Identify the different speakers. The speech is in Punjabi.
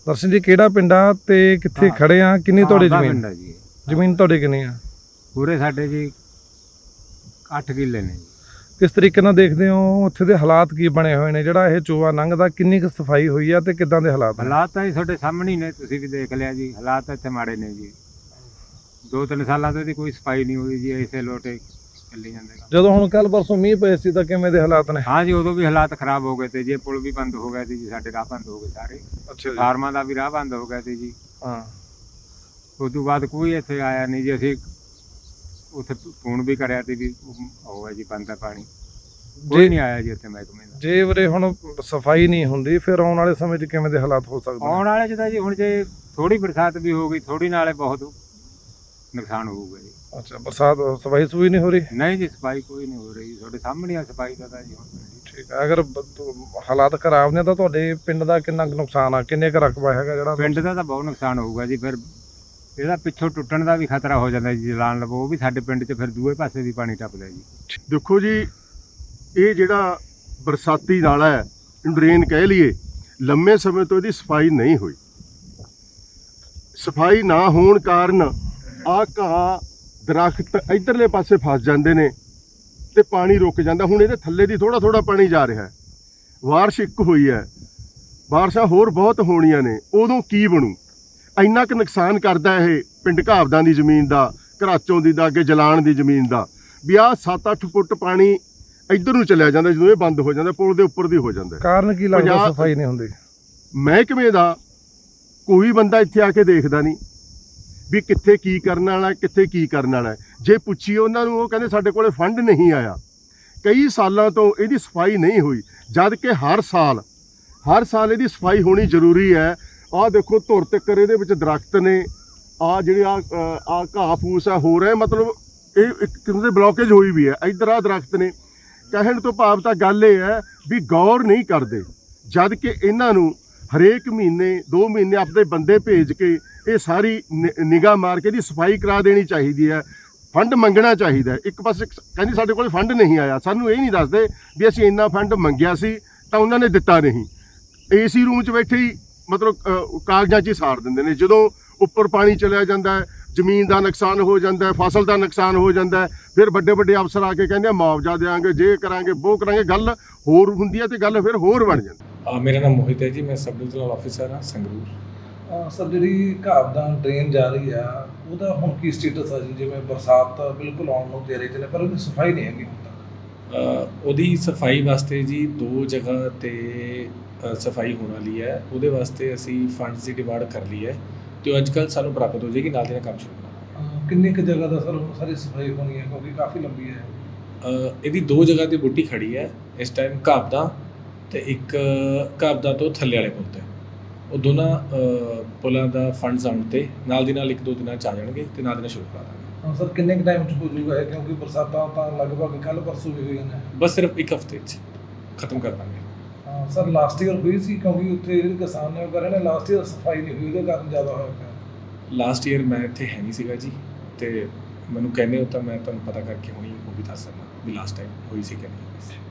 Speaker 1: ਦਰਸ਼ਨ ਜੀ ਕਿਹੜਾ ਪਿੰਡ ਆ ਤੇ ਕਿੱਥੇ ਖੜੇ ਆ? ਕਿੰਨੀ ਤੁਹਾਡੀ ਜ਼ਮੀਨ? ਜ਼ਮੀਨ ਤੁਹਾਡੀ ਕਿੰਨੀ ਆ?
Speaker 2: ਪੂਰੇ ਸਾਡੇ ਜੀ 8 ਕਿੱਲੇ ਨੇ ਜੀ।
Speaker 1: ਕਿਸ ਤਰੀਕੇ ਨਾਲ ਦੇਖਦੇ ਹੋ ਉੱਥੇ ਦੇ ਹਾਲਾਤ ਕੀ ਬਣੇ ਹੋਏ ਨੇ? ਜਿਹੜਾ ਇਹ ਚੋਆ ਲੰਘਦਾ ਕਿੰਨੀ ਕੁ ਸਫਾਈ ਹੋਈ ਆ ਤੇ ਕਿੱਦਾਂ ਦੇ ਹਾਲਾਤ ਨੇ?
Speaker 2: ਹਾਲਾਤ ਤਾਂ ਜੀ ਤੁਹਾਡੇ ਸਾਹਮਣੇ ਹੀ ਨੇ, ਤੁਸੀਂ ਵੀ ਦੇਖ ਲਿਆ ਜੀ। ਹਾਲਾਤ ਇੱਥੇ ਮਾੜੇ ਨੇ ਜੀ। 2-3 ਸਾਲਾਂ ਤੋਂ ਇਹਦੀ ਕੋਈ ਸਫਾਈ ਨਹੀਂ ਹੋਈ ਜੀ, ਇਸੇ ਲੋਟੇ ਚੱਲੀ ਜਾਂਦੇ।
Speaker 1: ਜਦੋਂ ਹੁਣ ਕੱਲ ਪਰਸੋਂ ਮੀਂਹ ਪਏ ਸੀ ਤਾਂ ਕਿਵੇਂ ਦੇ ਹਾਲਾਤ ਨੇ?
Speaker 2: ਹਾਂ ਜੀ, ਉਦੋਂ ਵੀ ਹਾਲਾਤ ਖਰਾਬ ਹੋ ਗਏ ਤੇ ਜੀ। ਪੁਲ ਵੀ ਬੰਦ ਹੋ ਗਏ ਸੀ ਜੀ, ਸਾਡੇ ਰਾਹ ਬੰਦ ਹੋ ਗਏ ਸਾਰੇ।
Speaker 1: ਅੱਛਾ ਜੀ।
Speaker 2: ਫਾਰਮਾਂ ਦਾ ਵੀ ਰਾਹ ਬੰਦ ਹੋ ਗਿਆ ਸੀ ਜੀ।
Speaker 1: ਹਾਂ,
Speaker 2: ਉਸ ਤੋਂ ਬਾਅਦ ਕੋਈ ਇੱਥੇ ਆਇਆ ਨਹੀਂ ਜੀ। ਅਸੀਂ ਉੱਥੇ ਫੋਨ ਵੀ ਕਰਿਆ ਤੇ ਵੀ ਹੋਇਆ ਜੀ ਬੰਦ ਹੈ ਪਾਣੀ, ਕੋਈ ਨਹੀਂ ਆਇਆ ਜੀ ਇੱਥੇ ਮਹਿਕਮੇ ਦਾ।
Speaker 1: ਜੇ ਵੀਰੇ ਹੁਣ ਸਫਾਈ ਨਹੀਂ ਹੁੰਦੀ ਫਿਰ ਆਉਣ ਵਾਲੇ ਸਮੇਂ 'ਚ ਕਿਵੇਂ ਦੇ ਹਾਲਾਤ ਹੋ ਸਕਦੇ?
Speaker 2: ਆਉਣ ਵਾਲੇ 'ਚ ਤਾਂ ਜੀ ਹੁਣ ਜੇ ਥੋੜੀ ਬਰਸਾਤ ਵੀ ਹੋ ਗਈ, ਥੋੜੀ ਨਾਲੇ ਬਹੁਤ ਨੁਕਸਾਨ ਹੋਊਗਾ ਜੀ।
Speaker 1: ਅੱਛਾ, ਬਰਸਾਤ ਸਫਾਈ ਸੁਈ ਨਹੀਂ ਹੋ ਰਹੀ?
Speaker 2: ਨਹੀਂ ਜੀ, ਸਫਾਈ ਕੋਈ ਨਹੀਂ ਹੋ ਰਹੀ। ਤੁਹਾਡੇ ਸਾਹਮਣੇ ਆ ਸਫਾਈ ਦਾ ਤਾਂ ਜੀ ਹੁਣ।
Speaker 1: ਠੀਕ ਹੈ, ਅਗਰ ਹਾਲਾਤ ਖਰਾਬ ਨੇ ਤਾਂ ਤੁਹਾਡੇ ਪਿੰਡ ਦਾ ਕਿੰਨਾ ਕੁ ਨੁਕਸਾਨ ਆ? ਕਿੰਨੇ ਕੁ ਰਕਬਾ ਹੈਗਾ ਜਿਹੜਾ?
Speaker 2: ਪਿੰਡ ਦਾ ਤਾਂ ਬਹੁਤ ਨੁਕਸਾਨ ਹੋਊਗਾ ਜੀ। ਫਿਰ ਇਹਦਾ ਪਿੱਛੋਂ ਟੁੱਟਣ ਦਾ ਵੀ ਖਤਰਾ ਹੋ ਜਾਂਦਾ ਜੀ। ਜਲਾਨ ਲਵੋ ਉਹ ਵੀ ਸਾਡੇ ਪਿੰਡ 'ਚ ਫਿਰ ਦੂਏ ਪਾਸੇ ਵੀ ਪਾਣੀ ਟੱਪਦਾ ਜੀ।
Speaker 3: ਦੇਖੋ ਜੀ, ਇਹ ਜਿਹੜਾ ਬਰਸਾਤੀ ਨਾਲਾ ਹੈ, ਡਰੇਨ ਕਹਿ ਲਈਏ, ਲੰਮੇ ਸਮੇਂ ਤੋਂ ਇਹਦੀ ਸਫਾਈ ਨਹੀਂ ਹੋਈ। ਸਫਾਈ ਨਾ ਹੋਣ ਕਾਰਨ ਆਹ ਘਾਹ ਦਰਖਤ ਇਧਰਲੇ ਪਾਸੇ ਫਸ ਜਾਂਦੇ ਨੇ ਤੇ ਪਾਣੀ ਰੁਕ ਜਾਂਦਾ। ਹੁਣ ਇਹਦੇ ਥੱਲੇ ਦੀ ਥੋੜਾ ਥੋੜਾ ਪਾਣੀ ਜਾ ਰਿਹਾ ਹੈ। ਬਾਰਿਸ਼ ਇੱਕ ਹੋਈ ਹੈ, ਬਾਰਿਸ਼ਾਂ ਹੋਰ ਬਹੁਤ ਹੋਣੀਆਂ ਨੇ, ਉਦੋਂ ਕੀ ਬਣੂ? ਇੰਨਾ ਕੁ ਨੁਕਸਾਨ ਕਰਦਾ ਇਹ ਪਿੰਡ ਘਾਬਦਾਂ ਦੀ ਜ਼ਮੀਨ ਦਾ, ਘਰਾਚੋਂ ਦੀ ਦਾ, ਅੱਗੇ ਜਲਾਣ ਦੀ ਜ਼ਮੀਨ ਦਾ। ਵੀ ਆਹ 7-8 ਫੁੱਟ ਪਾਣੀ ਇੱਧਰ ਨੂੰ ਚਲਿਆ ਜਾਂਦਾ ਜਦੋਂ ਇਹ ਬੰਦ ਹੋ ਜਾਂਦਾ, ਪੁਲ ਦੇ ਉੱਪਰ ਦੀ ਹੋ ਜਾਂਦਾ।
Speaker 1: ਕਾਰਨ ਕੀ ਲੱਗਦਾ ਸਫਾਈ ਨਹੀਂ ਹੁੰਦੀ?
Speaker 3: ਮਹਿਕਮੇ ਦਾ ਕੋਈ ਬੰਦਾ ਇੱਥੇ ਆ ਕੇ ਦੇਖਦਾ ਨਹੀਂ ਵੀ ਕਿੱਥੇ ਕੀ ਕਰਨ ਵਾਲਾ, ਕਿੱਥੇ ਕੀ ਕਰਨ ਵਾਲਾ। ਜੇ ਪੁੱਛੀਏ ਉਹਨਾਂ ਨੂੰ, ਉਹ ਕਹਿੰਦੇ ਸਾਡੇ ਕੋਲੇ ਫੰਡ ਨਹੀਂ ਆਇਆ। ਕਈ ਸਾਲਾਂ ਤੋਂ ਇਹਦੀ ਸਫਾਈ ਨਹੀਂ ਹੋਈ, ਜਦ ਕਿ ਹਰ ਸਾਲ ਇਹਦੀ ਸਫਾਈ ਹੋਣੀ ਜ਼ਰੂਰੀ ਹੈ। ਆਹ ਦੇਖੋ ਧੁਰ ਤੱਕਰ ਇਹਦੇ ਵਿੱਚ ਦਰਖਤ ਨੇ। ਆਹ ਜਿਹੜੇ ਆ ਘਾਹ ਫੂਸ ਆ ਹੋ ਰਿਹਾ, ਮਤਲਬ ਇਹ ਇੱਕ ਕਿਸਮ ਦੇ ਬਲੋਕੇਜ ਹੋਈ ਵੀ ਹੈ। ਇੱਧਰ ਆਹ ਦਰਖਤ ਨੇ। ਕਹਿਣ ਤੋਂ ਭਾਵ ਤਾਂ ਗੱਲ ਇਹ ਹੈ ਵੀ ਗੌਰ ਨਹੀਂ ਕਰਦੇ, ਜਦ ਕਿ ਇਹਨਾਂ ਨੂੰ ਹਰੇਕ ਮਹੀਨੇ 2 ਮਹੀਨੇ ਆਪਣੇ ਬੰਦੇ ਭੇਜ ਕੇ ਇਹ ਸਾਰੀ ਨਿਗਾਹ ਮਾਰ ਕੇ ਇਹਦੀ ਸਫਾਈ ਕਰਾ ਦੇਣੀ ਚਾਹੀਦੀ ਹੈ। ਫੰਡ ਮੰਗਣਾ ਚਾਹੀਦਾ। ਇੱਕ ਪਾਸੇ ਕਹਿੰਦੀ ਸਾਡੇ ਕੋਲ ਫੰਡ ਨਹੀਂ ਆਇਆ, ਸਾਨੂੰ ਇਹ ਨਹੀਂ ਦੱਸਦੇ ਵੀ ਅਸੀਂ ਇੰਨਾ ਫੰਡ ਮੰਗਿਆ ਸੀ ਤਾਂ ਉਹਨਾਂ ਨੇ ਦਿੱਤਾ ਨਹੀਂ। ਏਸੀ ਰੂਮ 'ਚ ਬੈਠੇ ਹੀ ਮਤਲਬ ਕਾਗਜ਼ਾਂ 'ਚ ਹੀ ਸਾੜ ਦਿੰਦੇ ਨੇ। ਜਦੋਂ ਉੱਪਰ ਪਾਣੀ ਚਲਿਆ ਜਾਂਦਾ ਹੈ, ਜ਼ਮੀਨ ਦਾ ਨੁਕਸਾਨ ਹੋ ਜਾਂਦਾ ਹੈ, ਫਸਲ ਦਾ ਨੁਕਸਾਨ ਹੋ ਜਾਂਦਾ ਹੈ, ਫਿਰ ਵੱਡੇ ਵੱਡੇ ਅਫਸਰ ਆ ਕੇ ਕਹਿੰਦੇ ਮੁਆਵਜ਼ਾ ਦੇਵਾਂਗੇ, ਜੇ ਕਰਾਂਗੇ ਉਹ ਕਰਾਂਗੇ। ਗੱਲ ਹੋਰ ਹੁੰਦੀ ਹੈ ਤੇ ਗੱਲ ਫਿਰ ਹੋਰ ਬਣ ਜਾਂਦੀ।
Speaker 4: ਮੇਰਾ ਨਾਮ ਮੋਹਿਤ ਹੈ ਜੀ, ਮੈਂ ਸਬ ਡਿਵੀਜ਼ਨਲ ਆਫਿਸਰ ਹਾਂ ਸੰਗਰੂਰ।
Speaker 1: ਸਰ, ਜਿਹੜੀ ਘਾਬਦਾਂ ਡਰੇਨ ਜਾ ਰਹੀ ਆ ਉਹਦਾ ਹੁਣ ਕੀ ਸਟੇਟਸ ਆ ਜੀ? ਜਿਵੇਂ ਬਰਸਾਤ ਤਾਂ ਬਿਲਕੁਲ ਆਉਣ ਨੂੰ ਤਿਆਰੀ 'ਚ ਨੇ ਪਰ ਉਹਦੀ ਸਫਾਈ ਨਹੀਂ ਹੈਗੀ ਹੁਣ ਤੱਕ।
Speaker 4: ਉਹਦੀ ਸਫਾਈ ਵਾਸਤੇ ਜੀ 2 ਜਗ੍ਹਾ 'ਤੇ ਸਫਾਈ ਹੋਣ ਵਾਲੀ ਹੈ। ਉਹਦੇ ਵਾਸਤੇ ਅਸੀਂ ਫੰਡਸ ਦੀ ਡਿਮਾਂਡ ਕਰ ਲਈ ਹੈ ਤੇ ਉਹ ਅੱਜ ਕੱਲ੍ਹ ਸਾਨੂੰ ਪ੍ਰਾਪਤ ਹੋ ਜਾਏਗੀ, ਨਾਲ ਦੀ ਨਾਲ ਕੰਮ ਸ਼ੁਰੂ ਕਰਾਂਗੇ।
Speaker 1: ਕਿੰਨੀ ਕੁ ਜਗ੍ਹਾ ਦਾ ਸਰ ਸਾਰੀ ਸਫਾਈ ਹੋਣੀ ਹੈ ਕਿਉਂਕਿ ਕਾਫੀ ਲੰਬੀ ਹੈ?
Speaker 4: ਇਹਦੀ 2 ਜਗ੍ਹਾ 'ਤੇ ਬੂਟੀ ਖੜੀ ਹੈ ਇਸ ਟਾਈਮ, ਘਾਬਦਾਂ ਤੇ ਇੱਕ ਘਾਬਦਾਂ ਤੋਂ ਥੱਲੇ ਵਾਲੇ ਪੁਲ 'ਤੇ। ਉਹ ਦੋਨਾਂ ਪੁਲਾਂ ਦਾ ਫੰਡਸ ਆਉਣ 'ਤੇ ਨਾਲ ਦੀ ਨਾਲ 1-2 ਦਿਨਾਂ 'ਚ ਆ ਜਾਣਗੇ ਤੇ ਨਾਲ ਦੀ ਨਾਲ ਸ਼ੁਰੂ ਕਰਾ ਦਾਂਗੇ।
Speaker 1: ਹਾਂ ਸਰ, ਕਿੰਨੇ ਕੁ ਟਾਈਮ 'ਚ ਹੋ ਜਾਊਗਾ ਇਹ? ਕਿਉਂਕਿ ਬਰਸਾਤਾਂ ਤਾਂ ਲਗਭਗ ਕੱਲ੍ਹ ਪਰਸੋਂ ਵੀ ਹੋਈਆਂ ਨੇ।
Speaker 4: ਬਸ ਸਿਰਫ 1 ਹਫ਼ਤੇ 'ਚ ਖਤਮ ਕਰ ਦਾਂਗੇ।
Speaker 1: ਹਾਂ ਸਰ, ਲਾਸਟ ਈਅਰ ਹੋਈ ਸੀ ਕਿਉਂਕਿ ਉੱਥੇ ਜਿਹੜੇ ਕਿਸਾਨ ਨੇ ਉਹ ਕਰ ਰਹੇ ਨੇ ਲਾਸਟ ਈਅਰ ਸਫਾਈ ਨਹੀਂ ਹੋਈ, ਉਹਦੇ ਕਾਰਨ ਜ਼ਿਆਦਾ ਹੋਇਆ ਪਿਆ।
Speaker 4: ਲਾਸਟ ਈਅਰ ਮੈਂ ਇੱਥੇ ਹੈ ਨਹੀਂ ਸੀਗਾ ਜੀ, ਤੇ ਮੈਨੂੰ ਕਹਿੰਦੇ ਹੋ ਤਾਂ ਮੈਂ ਤੁਹਾਨੂੰ ਪਤਾ ਕਰਕੇ ਹੁਣੀ ਉਹ ਵੀ ਦੱਸ ਸਕਦਾ ਵੀ ਲਾਸਟ ਟਾਈਮ ਹੋਈ ਸੀ ਕਿ ਨਹੀਂ।